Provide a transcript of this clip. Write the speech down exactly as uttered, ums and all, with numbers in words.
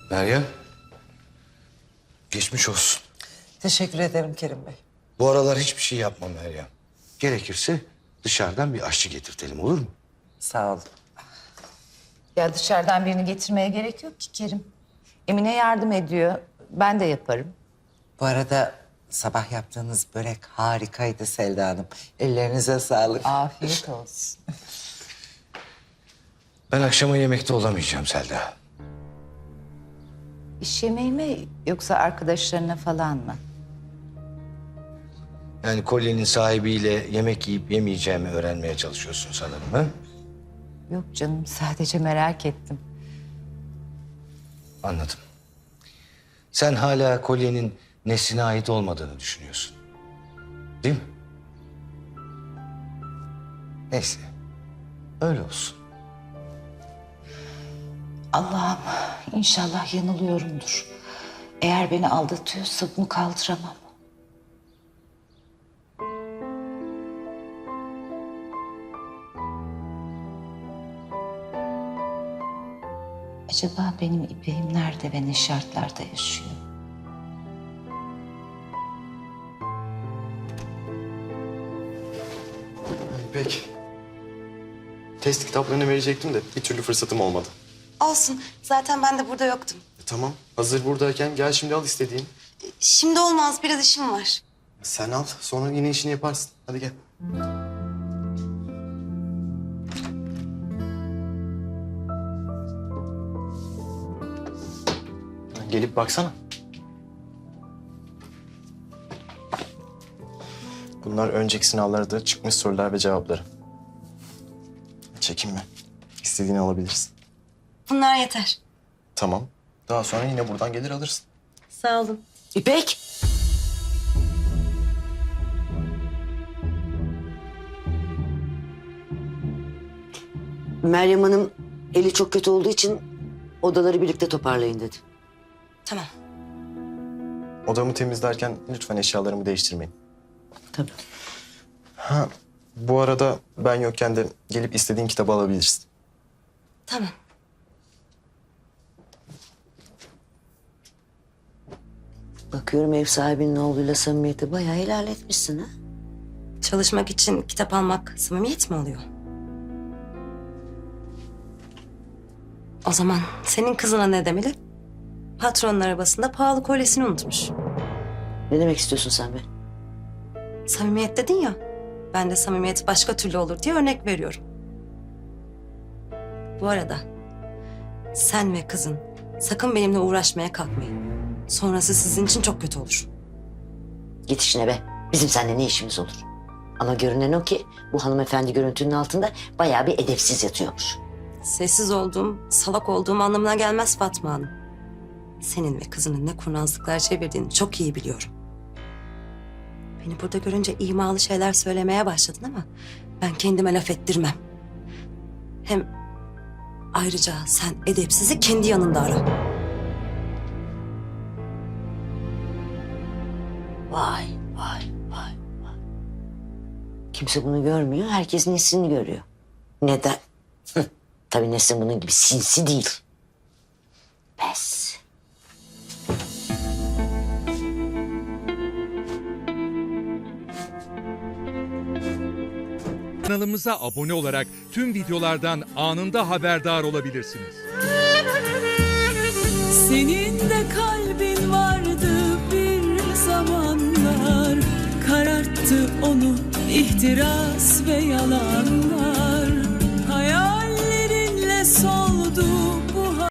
Meryem. Geçmiş olsun. Teşekkür ederim Kerim Bey. Bu aralar hiçbir şey yapma Meryem. Gerekirse dışarıdan bir aşçı getirtelim, olur mu? Sağ olun. Ya dışarıdan birini getirmeye gerek yok ki Kerim. Emine yardım ediyor. Ben de yaparım. Bu arada sabah yaptığınız börek harikaydı Selda Hanım. Ellerinize sağlık. Afiyet olsun. Ben akşama yemekte olamayacağım Selda. İş yemeği mi yoksa arkadaşlarına falan mı? Yani kolyenin sahibiyle yemek yiyip yemeyeceğimi öğrenmeye çalışıyorsun sanırım, ha? Yok canım, sadece merak ettim. Anladım. Sen hala kolyenin Nesrin'e ait olmadığını düşünüyorsun. Değil mi? Neyse. Öyle olsun. Allah'ım inşallah yanılıyorumdur. Eğer beni aldatıyorsa bunu kaldıramam. Acaba benim İpek'im nerede ve ne şartlarda yaşıyor? İpek. Test kitaplarını verecektim de bir türlü fırsatım olmadı. Olsun. Zaten ben de burada yoktum. E, tamam. Hazır buradayken gel şimdi al istediğin. Şimdi olmaz. Biraz işim var. Sen al. Sonra yine işini yaparsın. Hadi gel. Gelip baksana. Bunlar önceki sınavlarda çıkmış sorular ve cevapları. Çekinme. İstediğini alabilirsin. Bunlar yeter. Tamam. Daha sonra yine buradan gelir alırsın. Sağ olun. İpek. Meryem Hanım eli çok kötü olduğu için odaları birlikte toparlayın dedi. Tamam. Odamı temizlerken lütfen eşyalarımı değiştirmeyin. Tabii. Ha, bu arada ben yokken de gelip istediğin kitabı alabilirsin. Tamam. Bakıyorum ev sahibinin oğluyla samimiyeti bayağı ilerletmişsin ha. Çalışmak için kitap almak samimiyet mi oluyor? O zaman senin kızına ne demeli? Patronun arabasında pahalı kolyesini unutmuş. Ne demek istiyorsun sen be? Samimiyet dedin ya. Ben de samimiyet başka türlü olur diye örnek veriyorum. Bu arada sen ve kızın sakın benimle uğraşmaya kalkmayın. Sonrası sizin için çok kötü olur. Git işine be. Bizim seninle ne işimiz olur? Ama görünen o ki bu hanımefendi görüntünün altında bayağı bir edepsiz yatıyormuş. Sessiz olduğum, salak olduğum anlamına gelmez Fatma Hanım. Senin ve kızının ne kurnazlıklar çevirdiğini çok iyi biliyorum. Beni burada görünce imalı şeyler söylemeye başladın ama ben kendime laf ettirmem. Hem ayrıca sen edepsizi kendi yanında ara. Vay vay vay vay. Kimse bunu görmüyor. Herkes Nesrin'i görüyor. Neden? Hı, tabii Nesrin bunun gibi sinsi değil. Pes. Kanalımıza abone olarak tüm videolardan anında haberdar olabilirsiniz. Senin de kalbin vardı bir zamanlar, kararttı onu ihtiras ve yalanlar.